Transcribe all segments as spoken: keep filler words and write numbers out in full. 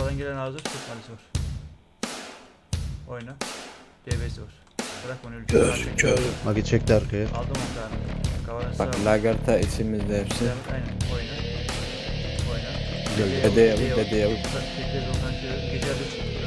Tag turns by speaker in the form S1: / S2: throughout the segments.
S1: Sağdan gelen hazır. Türk malisi var. Oyna. D B'si var. Bırak onu öldür.
S2: Kör kör. Magi çekti arkaya.
S1: Aldım on tane. Kavanı
S3: Bak
S1: sağ.
S3: Lagerta içimizde hepsi.
S1: Devam et, aynen. Oyna. Oyna.
S2: Güzel.
S3: Dede yavuk, dede yavuk.
S1: Tekrar Volkan şöyle gece adı çıktı.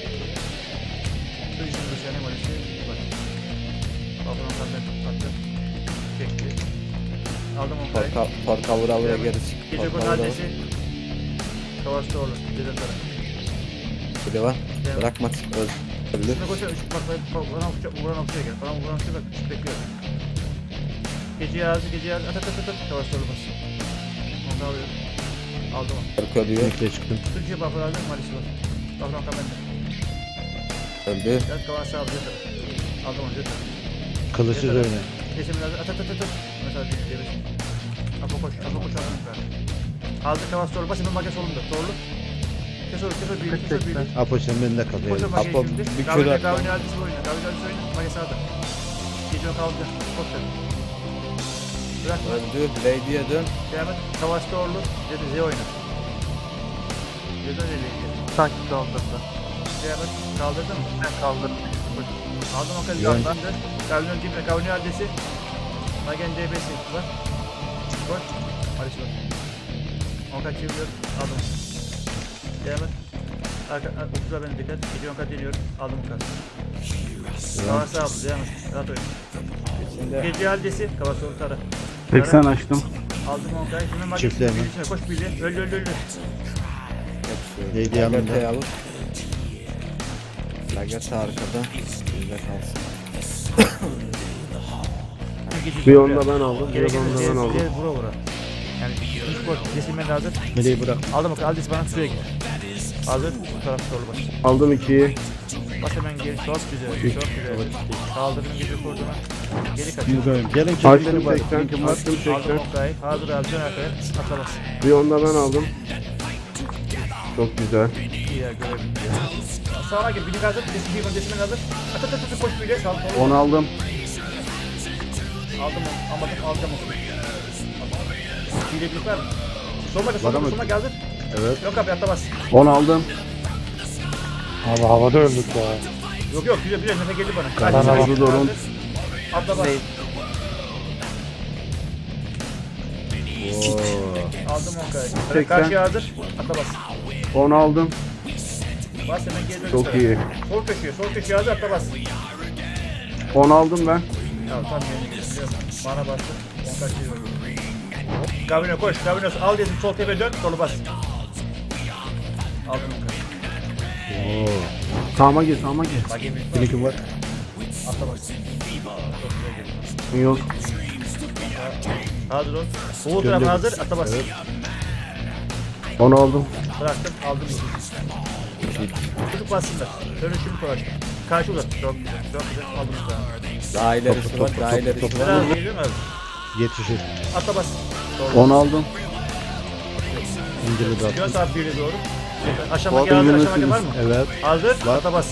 S1: Üç yüz sene malisi var. Balkona kaldı. Attı. Çekti. Aldım on tane.
S3: Porka, porka vura vura geri çık.
S1: Gece
S3: Porka
S1: konu
S3: vura vura.
S1: adresi. Kavaşta olur. Dede taraf.
S3: Bir de var.
S1: Devam.
S3: Bırakma. Öl. Öldü.
S1: Şuna koşar. Üç bak bak bak. Vuran okçuya vuran okçuya gel. Falan vuran okçuya bak. Üç bekliyor. Gece yazı gece yazı. At at at at. Kavaşta olmaz. Onu da alıyorum. Aldım onu.
S3: Porka ölüyor.
S2: Birlikte çıktım.
S1: Türkiye buffer aldım. Malisi var. Buffer kamende.
S3: Öldü.
S1: Gel kavaş sağ alacak. Aldım onu. Yeter.
S2: Kılıçsız oyna.
S1: Geçemin lazım. At at at at. Mesela bir diyelim. Apo koş. Apo koş. Aldım ben. Aldı kavaş doğru. Basın makas solunda. Doğru. Kes onu. Kes onu. Büyük. Kes onu. Büyük.
S2: Apo sen benimle kal.
S1: Koş o
S2: yani.
S1: makas
S3: Apo
S1: şimdi.
S3: bir kere
S1: Gavine
S3: at lan.
S1: gavine aldisi oyna. Gavine aldisi oyna. Makas sağda. Gece kaldı. Koş sen. Bırak.
S3: Öldü. Lady'ye dön.
S1: Devam et. Kavaş doğru. Dedi Z oyna. Dedi öyle.
S4: Sanki kaldırdı.
S1: Devam et. Kaldırdın mı?
S4: Ben kaldırdım.
S1: Aldım o kadar.
S2: Yön.
S1: Gavine dibine. Gavine aldisi. Magen D B'si var. Koş. Barış var. Onka çeviriyor. Aldım. Devam et. Arka, okuza beni dikkat. Gece onka deniyorum. Aldım onka. Kavas sağ oldu. Devam et. Rahat oyun.
S3: İçinde.
S1: Gece haldesi. Kavas sol tara.
S4: seksen açtım.
S1: Aldım onkayı. Şimdi magen
S2: Çiftler mi?
S1: birisine koş birliğe. Öldü öldü öldü.
S3: Hepsi.
S2: Lady yanında.
S3: Lagerta yavuk. Lagerta arkada. Bizde kalsın.
S4: Bir onda ben aldım. Bir
S1: Gerekirse
S4: onda ben aldım.
S1: diğer vura vura. Yani üç boş. Kesilmen hazır.
S2: Meleği bırak.
S1: Aldım onkayı. Aldesi bana suya gir. Hazır. Bu taraf doğru baş.
S4: Aldım ikiyi.
S1: Bas hemen geri. Çok güzel. Çok güzel. Kaldırdım gece kurduğuna. Geri kaçıyor.
S2: Yüzüyorum. Gelin
S4: Açtım
S2: çekimleri var.
S4: seksen.
S2: Linkim var.
S4: Açtım
S1: Aldım
S4: seksen.
S1: onkayı. Hazır abi. Dön arkaya. Atlamaz.
S4: Bir onda ben aldım. Çok güzel.
S1: İyi ya görebildim ya. Sağa gir. Bilik hazır. Desin bir öncesinden hazır. At at at at. Koş bile. Sağ sol.
S4: on aldım.
S1: Aldım onu. Almadım. Alacağım onu. Hile bilik var mı? Solma gel. Solma
S2: Var
S1: gel.
S2: ama-
S1: Solma gel hazır.
S2: Evet.
S1: Yok abi atlamaz.
S4: on aldım.
S5: Abi havada öldük ya.
S1: Yok yok. Güzel güzel. Nefe geldi bana.
S5: Bana
S1: Kaç,
S5: bak.
S1: kaç,
S4: Durun.
S1: Atla bas.
S2: Oo.
S1: Aldım onkayı.
S4: seksen.
S1: Karşıya hazır. Atla bas.
S4: on aldım.
S1: Bas hemen geri dön.
S4: Çok
S1: üstüne.
S4: iyi.
S1: Sol köşeye. Sol köşeye hazır. Atla bas.
S4: on aldım ben.
S1: Tamam tamam. Bana bastı. Onkay çeviriyor. Gavino koş. Gavino al dedim. Sol tepe dön. Solu bas. Aldım onkayı.
S2: Oo.
S4: Sağıma gir, sağıma gir.
S1: Bak yemin var.
S2: Linkim var.
S1: Atla bas. Çok güzel geldi.
S4: Yok.
S1: Hazır ol. Soğuk taraf
S2: Gönder.
S1: hazır. Atla bas.
S4: on aldım.
S1: Bıraktım. Aldım. Çocuk bassınlar. Dönüşümü kolaştım. Karşı uzat. Çok güzel. Çok güzel. Aldım sana.
S3: Daha ilerisi var. Daha ilerisi var.
S1: Biraz geliyor mu abi?
S2: Yetişir.
S1: Atla bas. Doğru.
S4: on aldım.
S2: İncili de
S1: Yön
S2: attım.
S1: saat birine doğru. Aşama
S4: Abi
S1: gel hazır.
S4: yönetiniz.
S1: Aşama var mı?
S2: Evet.
S1: Hazır.
S2: Var.
S1: Atla bas.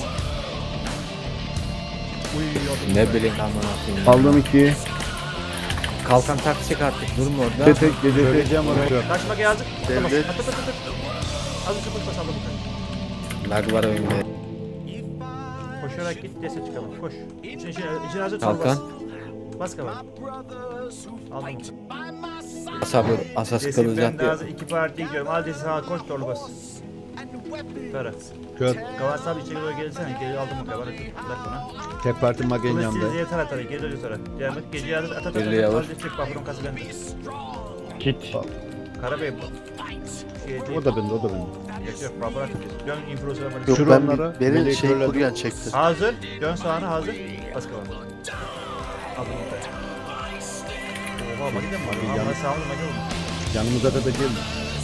S1: Uy yolda.
S3: Ne bileyim aman akıyım.
S4: Aldım ikiyi.
S3: Kalkan takacak artık. Durma orada.
S4: Tek tek gece tek.
S2: Söyleyeceğim onu. Yok.
S1: Kaçma gel hazır. Atla bas.
S4: Devlet.
S1: At at at at. Hazır koş bas aldım.
S3: Lag var oyunda.
S1: Koşarak git dese çıkalım. Koş. İçine içine, içine hazır. sol
S3: Kalkan.
S1: Bas. Bas kalan. Aldım.
S3: Sabır. Asas
S1: Desin ben
S3: kılacak
S1: de
S3: diye.
S1: hazır. İki parti gidiyorum. Al desin sağa koş doğru bas. Tara.
S2: Kör.
S1: Kavas abi içeri doğru gelsene. Geri aldım o kadar. Bırak bana.
S2: Tek parti Magen
S1: Kılıç
S2: yanında.
S1: silziye tara tara. Geri dönüyor tara. Devam et. Gece hazır. At at at.
S3: Birliğe
S1: at.
S3: var.
S1: Al destek bafırın kası bende.
S5: Kit.
S1: Karabey bu. Şey değil.
S2: O da bende, o da bende.
S1: Yok yok bafır at. Dön influencer'a bak.
S6: Yok
S2: Şuranlara
S6: ben beni
S2: meleği
S6: şey
S2: körledim.
S6: kuryen çekti.
S1: Hazır. Dön sağına hazır. Bas kalan. Aldım o kadar. Oha bak gidelim mi?
S2: Abi,
S1: Ama
S2: yan-
S1: sağ olun. Bak oğlum.
S2: Yanımıza da da gelme.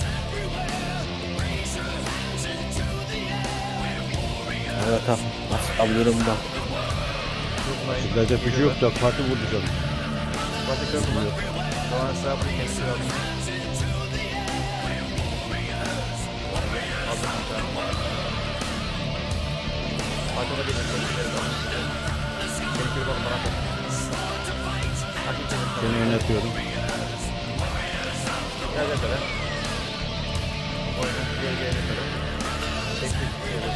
S3: Evet tamam. Nasıl alıyorum da.
S1: Tutmayın.
S2: Sizlerde bir şey yok da parti vurdu canım.
S1: Batı kör mü? Kalan sağ bu kendisi aldım. Aldım o kadar. Arkada bir dakika. Seni kör bakın bana bak. Hakikaten.
S2: Seni yönetiyorum.
S1: Gel gel kadar. Oyna. Gel gel gel kadar. Tek Bekle.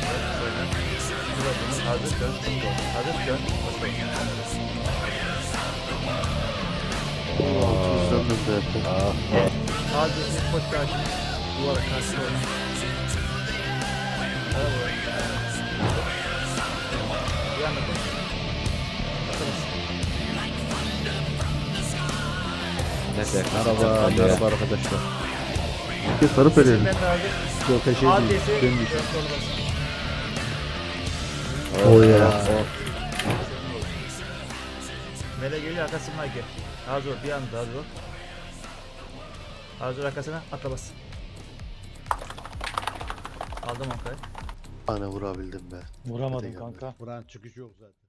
S1: Hazır dön. Hazır dön.
S4: Hızlandım da yaptım.
S2: Ah,
S1: Hadi koş karşı. Duvara karşı koy. Yanına koş. Atamazsın.
S3: Ne de
S2: merhaba, merhaba arkadaşlar.
S4: Bir de sarı pelerin.
S1: Ben de hazır.
S2: Yok şey değil.
S1: Adresi
S2: Benim
S1: dön
S2: için.
S1: sol bas.
S4: O ya.
S1: Mele geliyor arkasına gel. Hazır ol bir anda hazır ol. Hazır ol arkasına atla bas. Aldım Onkay'ı.
S4: Ana vurabildim be.
S5: Vuramadım
S4: Hadi
S5: kanka.
S2: Buranın çıkışı yok zaten.